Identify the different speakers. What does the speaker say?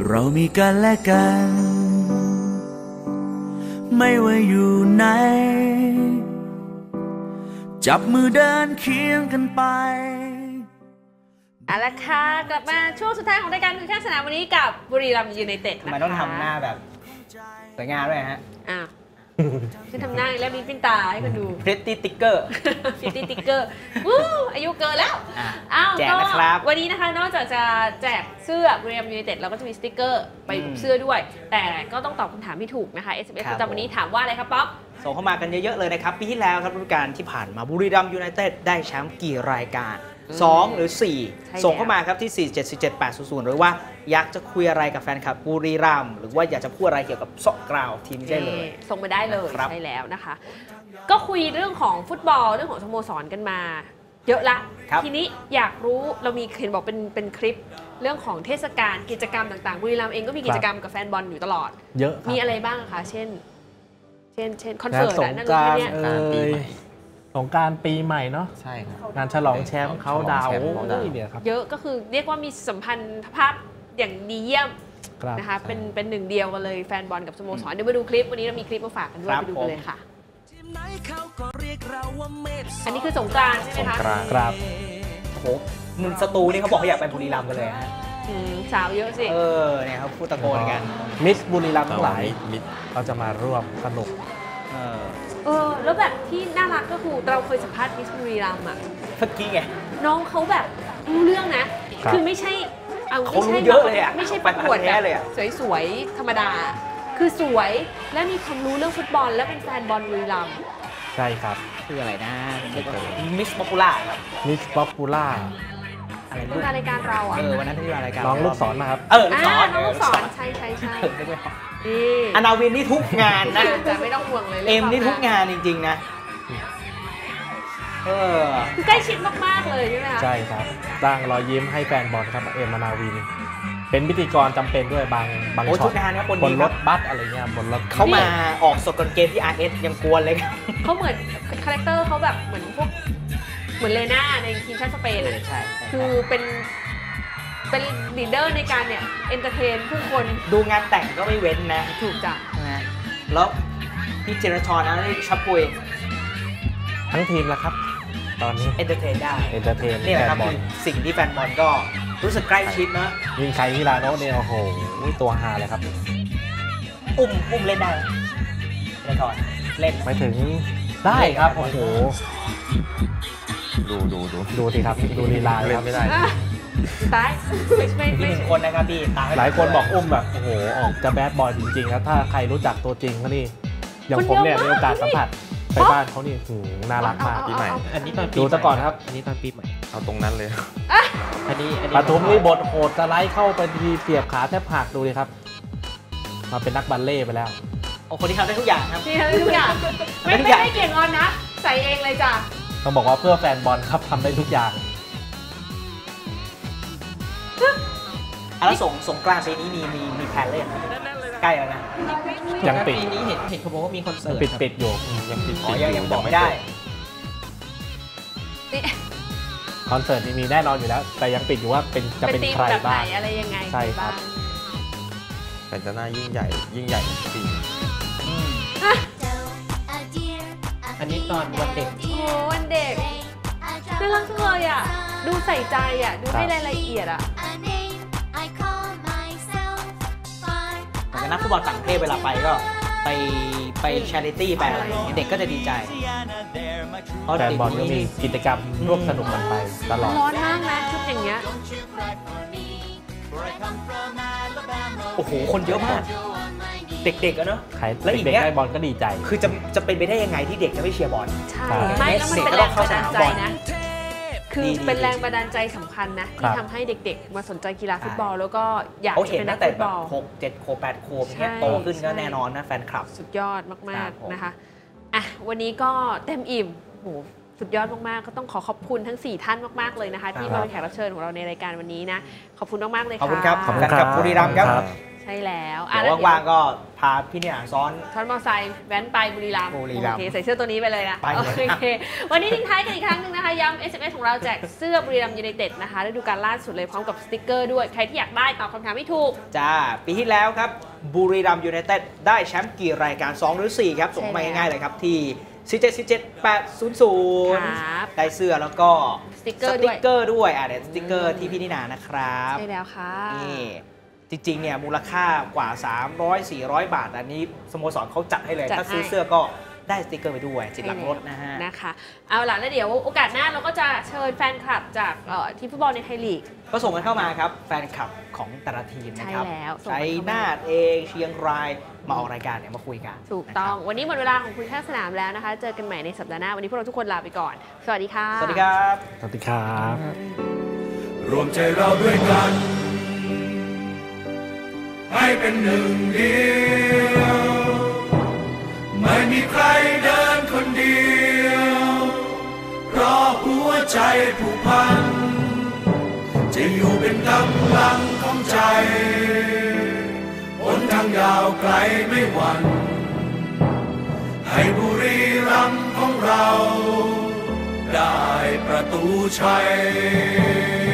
Speaker 1: เรามีกันและกันไม่ว่าอยู่ไหนจับมือเดินเคียงกันไป
Speaker 2: เอาละค่ะกลับมาช่วงสุดท้ายของรายการคือข้างสนามวันนี้กับบุรีรัมย์ยูไนเต็ดนะคะ
Speaker 3: ทำไมต้องทำหน้าแบบสวยงามด้วยฮะ
Speaker 2: อ้าวฉันทำหน้าแล้วมีปิ้นตาให้คุณดู
Speaker 3: พริตตี้ติ๊กเกอร์
Speaker 2: พริตตี้ติ๊กเกอร์วู้อายุเกินแล้วอ้าว
Speaker 3: แจกนะครับ
Speaker 2: วันนี้นะคะนอกจากจะแจกเสื้อบุรีรัมย์ยูไนเต็ดเราก็จะมีสติ๊กเกอร์ไปเสื้อด้วยแต่ก็ต้องตอบคำถามที่ถูกนะคะ SMS ประจำวันนี้ถามว่าอะไรครับป๊อป
Speaker 3: ส่งเข้ามากันเยอะๆเลยนะครับปีที่แล้วครับฤดูกาลที่ผ่านมาบุรีรัมย์ยูไนเต็ดได้แชมป์กี่รายการ2 หรือ 4ส่งเข้ามาครับที่ 4747800หรือว่าอยากจะคุยอะไรกับแฟนคลับบุรีรัมย์หรือว่าอยากจะพูดอะไรเกี่ยวกับซอกกราวทีมได้เลย
Speaker 2: ส่งมาได้เลยใช่แล้วนะคะก็คุยเรื่องของฟุตบอลเรื่องของสโมสรกันมาเยอะละทีนี้อยากรู้เรามีเห็นบอกเป็นคลิปเรื่องของเทศกาลกิจกรรมต่างๆบุรีรัมย์เองก็มีกิจกรรมกับแฟนบอลอยู่ตลอด
Speaker 4: เยอะ
Speaker 2: มีอะไรบ้างคะเช่นคอนเสิร์ตนั่นเลยเนี่ย
Speaker 4: สงกรานต์ปีใหม่เนาะ
Speaker 5: ใช่ครับ
Speaker 4: งานฉลองแชมป์เขาดาวเนี่ยครับ
Speaker 2: เยอะก็คือเรียกว่ามีสัมพันธ์ภาพอย่างดีเยี่ยมนะคะเป็นหนึ่งเดียวกันเลยแฟนบอลกับสโมสรเดี๋ยวมาดูคลิปวันนี้เรามีคลิปมาฝากกันด้วยไปดูกันเลยค่ะอันนี้คือสงกรานต์ใช่ไหมคะ
Speaker 4: ครับ
Speaker 3: โหมึงสตูนี่เขาบอกเขาอยากไปบุรีรัมย์กันเลยฮะ
Speaker 2: สาวเยอะสิ
Speaker 3: เนี่ยเขาพูดตะโกนกัน
Speaker 4: มิสบุรีรัมย์ทั้งหลายเราจะมาร่วมสนุก
Speaker 2: แล้วแบบที่น่ารักก็คือเราเคยสัมภาษณ์มิสบุรีรัมย์อ่ะ
Speaker 3: เมื่อกี้ไง
Speaker 2: น้องเขาแบบรู้เรื่องนะคือไม่ใช่
Speaker 3: เขารู้เยอะเลยอ่ะ
Speaker 2: ไม่ใช่ประกวดแบบสวยๆธรรมดาคือสวยและมีความรู้เรื่องฟุตบอลและเป็นแฟนบอลบุรีรัมย์
Speaker 4: ใช่ครับ
Speaker 3: คืออะไรนะมิสป๊อปปูล่าครับ
Speaker 4: มิสป๊อปปูล่า
Speaker 3: อะไร
Speaker 2: ลูกรายการเราอ่ะ
Speaker 3: วันนั้นที่มารายการ
Speaker 4: น้องลูกศรนะครับ
Speaker 2: น้องลูกศรใช่
Speaker 3: อนาวินนี่ทุกงานนะ
Speaker 2: แต่ไม่ต้องห่วงเลย
Speaker 3: เอ็มนี่ทุกงานจริงๆนะ
Speaker 2: ใกล้ชิดมากๆเลยใช่ไหมคะ
Speaker 4: ใช่ครับสร้างรอยยิ้มให้แฟนบอลครับเอ็มอนาวินเป็นพิธีกรจำเป็นด้วยบางช็อตบนรถบัสอะไรเงี้ยบนรถ
Speaker 3: เขามาออกสดก่อนเกมที่ RS ยังกวนเลย
Speaker 2: เขาเหมือนคาแรคเตอร์เขาแบบเหมือนพวกเหมือนเลน่าในทีมชาติสเปนใช่คือเป็นลีดเดอร์ในการเนี่ยเอนเตอร์เทนผู้คน
Speaker 3: ดูงานแต่งก็ไม่เว้นนะ
Speaker 2: ถูกจ้ะ
Speaker 3: นะแล้วพี่เจรชรนะนี่ชับปุย
Speaker 4: ทั้งทีมแล้วครับตอนนี้
Speaker 3: เอนเตอร์เทนได้
Speaker 4: นี่
Speaker 3: แหละครับสิ่งที่แฟนบอลก็รู้สึกใกล้ชิดนะ
Speaker 4: ยิงใครที่ลาโน่เนี่ยโอ้โหตัวฮาเลยครับ
Speaker 3: อุ้มเล่นได้เจรชรเล่น
Speaker 4: ไม่ถึงได้ครับโอ้โหดูสิครับดูลีลา
Speaker 5: เล่นไม่ได้
Speaker 2: ตาย
Speaker 3: ไม่1 คนนะครับพี่
Speaker 4: หลายคนบอกอุ้มแบบโอ้โหออกจะแบดบอยจริงๆแล้วถ้าใครรู้จักตัวจริงเขานี่อย่างผมเนี่ยมีโอกาสสัมผัสไปบ้านเขานี่น่ารักมาก
Speaker 5: ปีใหม่อันนี้ตอน
Speaker 4: ดูซะก่อนครับ
Speaker 5: อันนี้ตอนปีใหม่เอาตรงนั้นเลย
Speaker 3: อันนี้
Speaker 4: ปทุมนี่บทโหดสไลด์เข้าไปทีเสียบขาแทบหักดูเลยครับมาเป็นนักบัลเล่ไปแล้ว
Speaker 3: โอ้คนที่ทำได้ทุกอย่างครับ
Speaker 2: ที่ทำได้ทุกอย่างไม่เกี่ยงออนนะใส่เองเลยจ้ะ
Speaker 4: ต้องบอกว่าเพื่อแฟนบอลครับทำได้ทุกอย่าง
Speaker 3: แล้วสงกรานต์ปีนี้มีแพลนเล่นใกล้แล้วนะ
Speaker 4: ยังปิด
Speaker 3: ปีนี้เห็นเขาบอกว่ามีคอนเสิร์ต
Speaker 4: ปิดอยู่
Speaker 3: ยังบอกไม่ได้
Speaker 4: คอนเสิร์ตมีแน่นอนอยู่แล้วแต่ยังปิดอยู่ว่าจะเป็นใครบ้าง
Speaker 2: อะไรยังไง
Speaker 4: ใช่ครับ
Speaker 5: แต่จะน่ายิ่งใหญ่ปี
Speaker 3: อันนี้ตอนวันเด็ก
Speaker 2: โอ้วันเด็กน่ารักจังเลยอ่ะดูใส่ใจอ่ะดูให้รายละเอียดอ่ะ
Speaker 3: แต่นักฟุตบอลต่างประเทศเวลาไปก็ไปชาริตี้ไปอะไรเด็กก็จะดีใจ
Speaker 4: แฟนบอลก็มีกิจกรรมร่วมสนุกกันไปตลอด
Speaker 2: ร้อนมากนะชุดอย่างเงี้ย
Speaker 3: โอ้โหคนเยอะมากเด็กๆอะเนาะ
Speaker 4: แล้วอีกได้บอลก็ดีใจ
Speaker 3: คือจะเป็นไปได้ยังไงที่เด็กจะไม่เชียร์บอล
Speaker 2: ใช่ไม่แล้วมันเป็นแรงบันดาลใจนะคือเป็นแรงบันดาลใจสำคัญนะที่ทำให้เด็กๆมาสนใจกีฬาฟุตบอลแล้วก็อยากเป็นนักฟุตบอล
Speaker 3: 6 7 ขวบ 8 ขวบเนี่ยโตขึ้นก็แน่นอนนะแฟนคลับ
Speaker 2: สุดยอดมากๆนะคะอ่ะวันนี้ก็เต็มอิ่มโหสุดยอดมากๆก็ต้องขอบคุณทั้ง4ท่านมากๆเลยนะคะที่มาเป็นแขกรับเชิญของเราในรายการวันนี้นะขอบคุณมากๆเลยค่ะ
Speaker 3: ขอบคุณครับขอบคุณครับบุรีรัมย์ครับ
Speaker 2: ใช่แล้ว
Speaker 3: เดี๋ยวว่างๆก็พาพี่เนี่ยซ้อน
Speaker 2: มอเตอร์ไซค์แว้นไปบุรีรัมย์
Speaker 3: บุรีรัมย์
Speaker 2: โอเคใส่เสื้อตัวนี้ไปเลยนะ
Speaker 3: ไปเลย
Speaker 2: โอเควันนี้ทิ้งท้ายกันอีกครั้งหนึงนะคะย้ำ SMS ของเราแจกเสื้อบุรีรัมย์ยูไนเต็ดนะคะฤดูกาลล่าสุดเลยพร้อมกับสติกเกอร์ด้วยใครที่อยากได้ตอบคำถามไม่ถูก
Speaker 3: จ้าปีที่แล้วครับบุรีรัมย์ยูไนเต็ดได้แชมป์กี่รายการ 2 หรือ 4 ครับ ส่งมาง่ายๆเลยครับที่ 4777800 ได้เสื้อแล้วก็
Speaker 2: สติกเกอร์ด้วย
Speaker 3: ด้วยเดี๋ยวสติกเกอร์ที่พี่นินานะครับ
Speaker 2: ใช่แล้วค่ะ
Speaker 3: นี่จริงๆเนี่ยมูลค่ากว่า 300-400 บาท อันนี้สโมสรเขาจัดให้เลย
Speaker 2: จัด
Speaker 3: ถ้าซื้อ
Speaker 2: ให้
Speaker 3: เสื้อก็ได้สติกเกอร์ไปด้วยติดหลังรถนะฮะ
Speaker 2: นะคะเอาล่ะแล้วเดี๋ยวโอกาสหน้าเราก็จะเชิญแฟนคลับจากทีมฟุตบอลในไทยลีก
Speaker 3: ก็ส่งกันเข้ามาครับ แฟนคลับของแต่ละทีมนะครับ
Speaker 2: ใช่แล้วส่ง
Speaker 3: ชั
Speaker 2: กัน
Speaker 3: ย
Speaker 2: เข้ามา
Speaker 3: นาทเองเชียงรายมาออกรายการเนี่ยมาคุยกัน
Speaker 2: ถูกต้อง วันนี้หมดเวลาของคุยข้างสนามแล้วนะคะ เจอกันใหม่ในสัปดาห์หน้า วันนี้พวกเราทุกคนลาไปก่อน สวัสดีค่ะ
Speaker 3: สวัสดีครับ
Speaker 4: สวัสดีครับ
Speaker 1: รวมใจเราด้วยกัน ให้เป็นหนึ่งเดียว ไม่มีใครเดินคนเดียวเพราะหัวใจผูกพันจะอยู่เป็นกำลังของใจหนทางยาวไกลไม่หวั่นให้บุรีรัมย์ของเราได้ประตูชัย